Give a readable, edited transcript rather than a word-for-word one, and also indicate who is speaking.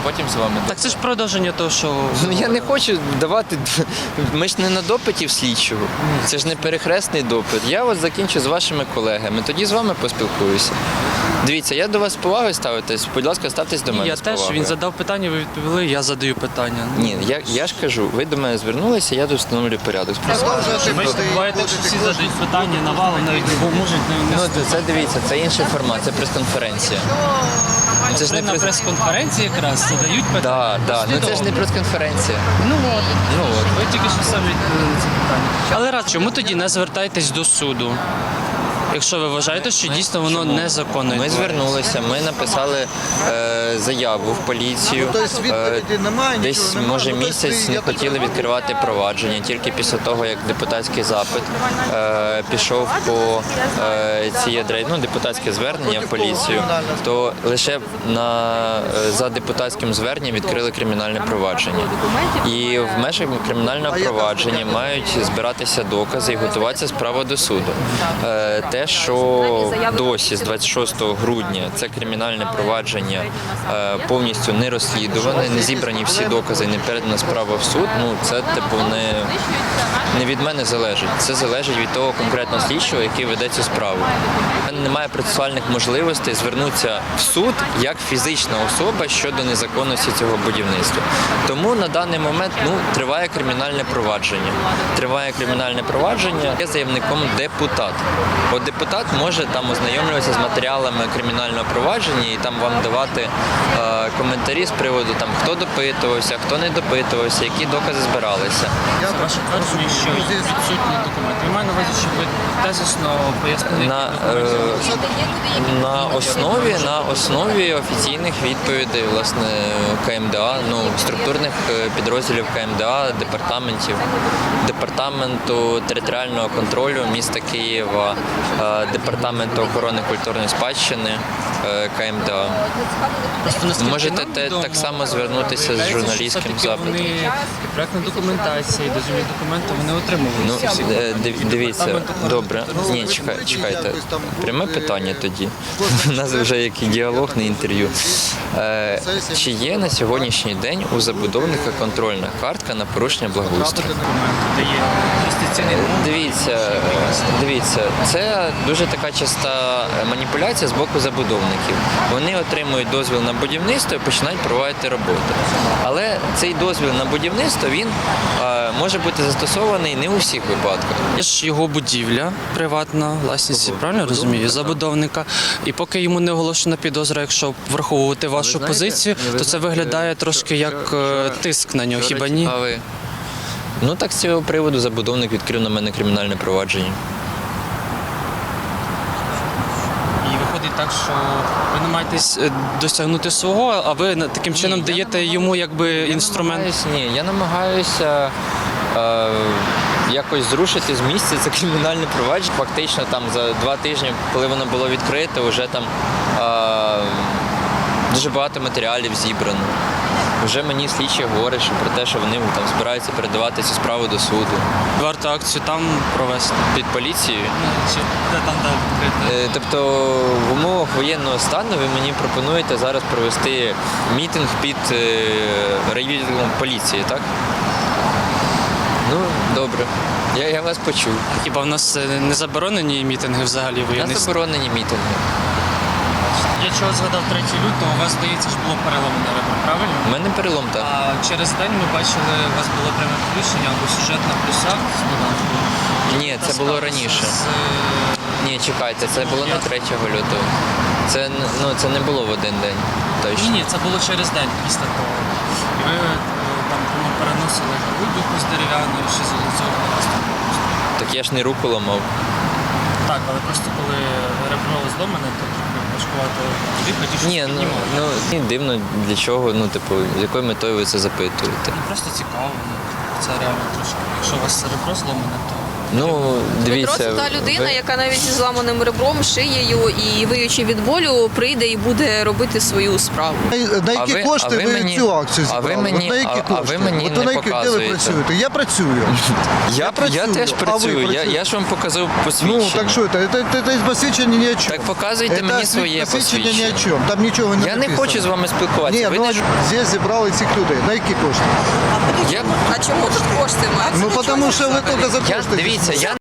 Speaker 1: потім з вами.
Speaker 2: Так це ж продовження того, що...
Speaker 1: Ну, я не хочу давати, ми ж не на допиті в слідчого, це ж не перехресний допит. Я от закінчу з вашими колегами, тоді з вами поспілкуюся. Дивіться, я до вас з повагою ставитесь, будь ласка, ставтесь до мене
Speaker 2: Я
Speaker 1: з
Speaker 2: теж,
Speaker 1: повагою.
Speaker 2: він задав питання, ви відповіли, я задаю питання.
Speaker 1: Ні, я ж кажу, ви до мене звернулися, я тут встановлю порядок.
Speaker 2: Бачите, буває так, що всі задають питання, навалом навіть не можуть не
Speaker 1: Ну, це дивіться, це інший формат, це прес-конференція. Це ж не
Speaker 2: на прес-конференції якраз задають питання.
Speaker 1: Так, ну це ж не прес-конференція.
Speaker 2: Ну от.
Speaker 1: Ну от.
Speaker 2: Ви тільки що самі відповіли на це питання. Але раз, чому тоді не звертаєтесь до суду? Якщо ви вважаєте, що дійсно воно незаконне.
Speaker 1: Ми звернулися, ми написали заяву в поліцію. Десь, може, місяць не хотіли відкривати провадження. Тільки після того, як депутатський запит пішов по цій адресі, ну, депутатське звернення в поліцію, то лише за депутатським зверненням відкрили кримінальне провадження. І в межах кримінального провадження мають збиратися докази і готуватися справа до суду. Те, що досі з 26 грудня це кримінальне провадження повністю не розслідуване, не зібрані всі докази, не передана справа в суд, ну це типу не від мене залежить. Це залежить від того конкретного слідчого, який веде цю справу. У мене немає процесуальних можливостей звернутися в суд як фізична особа щодо незаконності цього будівництва. Тому на даний момент триває кримінальне провадження. Триває кримінальне провадження, є заявником депутат. От депутат може там ознайомлюватися з матеріалами кримінального провадження і там вам давати коментарі з приводу там хто допитувався, хто не допитувався, які докази збиралися.
Speaker 2: Ваше твердження, що відсутні документи. Я маю на увазі, що ви тезисно пояснили.
Speaker 1: На основі офіційних відповідей власне КМДА, структурних підрозділів КМДА, департаменту територіального контролю міста Києва, департаменту охорони культурної спадщини КМДА. Можете так само звернутися з журналістським запитом.
Speaker 2: Проектна документація і дозвільні документи вони отримували.
Speaker 1: Дивіться, добре. Ні, чекайте. Пряме питання тоді. У нас вже як і діалог, не інтерв'ю. Чи є на сьогоднішній день у забудовника контрольна картка на порушення благоустрою? Дивіться, це дуже така часта маніпуляція з боку забудовників. Вони отримують дозвіл на будівництво і починають проводити роботи. Але цей дозвіл на будівництво, він може бути застосований не у всіх випадках.
Speaker 2: Є ж його будівля приватна, власність, правильно розумію, забудовника. І поки йому не оголошена підозра, якщо враховувати вашу позицію, то це виглядає трошки як тиск на нього, хіба ні?
Speaker 1: Так з цього приводу забудовник відкрив на мене кримінальне провадження.
Speaker 2: І виходить так, що ви намагаєтесь досягнути свого, а ви таким чином даєте йому якби інструмент?
Speaker 1: Я намагаюся якось зрушити з місця це кримінальне провадження. Фактично там за 2 тижні, коли воно було відкрите, вже там дуже багато матеріалів зібрано. Вже мені слідчі говорять про те, що вони там збираються передавати цю справу до суду.
Speaker 2: Варто акцію там провести?
Speaker 1: Під поліцією?
Speaker 2: Де там відкрити?
Speaker 1: Тобто в умовах воєнного стану ви мені пропонуєте зараз провести мітинг під райвідділом поліції, так? Добре. Я вас почув.
Speaker 2: Хіба в нас не заборонені мітинги взагалі воєнний?
Speaker 1: У нас заборонені мітинги.
Speaker 2: Я чого згадав 3 лютого, у вас, здається, ж було переломане ребро, правильно?
Speaker 1: У мене перелом, так.
Speaker 2: А через день ми бачили, у вас було пряме включення або сюжет на плюсах з додатком.
Speaker 1: Ні, це було раніше. Ні, чекайте, це було не 3 лютого. Це не було в один день. Точно.
Speaker 2: Ні, це було через день після того. І ви там переносили вибуху з дерев'яною, ще з цього.
Speaker 1: Так я ж не руку ламав.
Speaker 2: Так, але просто коли ребро зломане, то важкувато дихати, що
Speaker 1: Ні, дивно для чого, з якою метою ви це запитуєте.
Speaker 2: Просто цікаво, це реально трошки. Якщо у вас ребро зломане, то
Speaker 1: Ну, дивіться.
Speaker 3: Дмитро – це та людина,
Speaker 1: ви-
Speaker 3: яка навіть зі зламаним ребром, шиєю і виючи від болю, прийде і буде робити свою справу.
Speaker 4: На які кошти ви
Speaker 1: мені-
Speaker 4: цю акцію
Speaker 1: а ви
Speaker 4: зібрали?
Speaker 1: мені-
Speaker 4: От на які
Speaker 1: а
Speaker 4: кошти?
Speaker 1: ви мені
Speaker 4: От
Speaker 1: не
Speaker 4: на які, де ви
Speaker 1: показуєте.
Speaker 4: працюєте? Я працюю.
Speaker 1: Я
Speaker 4: працюю,
Speaker 1: теж
Speaker 4: а ви
Speaker 1: працюю.
Speaker 4: працюєте?
Speaker 1: Я ж вам показав
Speaker 4: Ну,
Speaker 1: посвідчення.
Speaker 4: так що це? Це посвідчення ні о чому.
Speaker 1: Так показуйте мені своє
Speaker 4: посвідчення ні
Speaker 1: посвідчення.
Speaker 4: о чому. Там нічого не
Speaker 1: Я не
Speaker 4: написано.
Speaker 1: хочу з вами спілкуватися.
Speaker 4: Ні,
Speaker 1: Ви
Speaker 4: ну
Speaker 1: не-
Speaker 4: здесь зібрали цих людей. На які кошти?
Speaker 1: Я,
Speaker 3: А чому тут кошти мають?
Speaker 4: Ну, тому що ви тільки за
Speaker 1: я,
Speaker 4: кошти.
Speaker 1: дивіться, я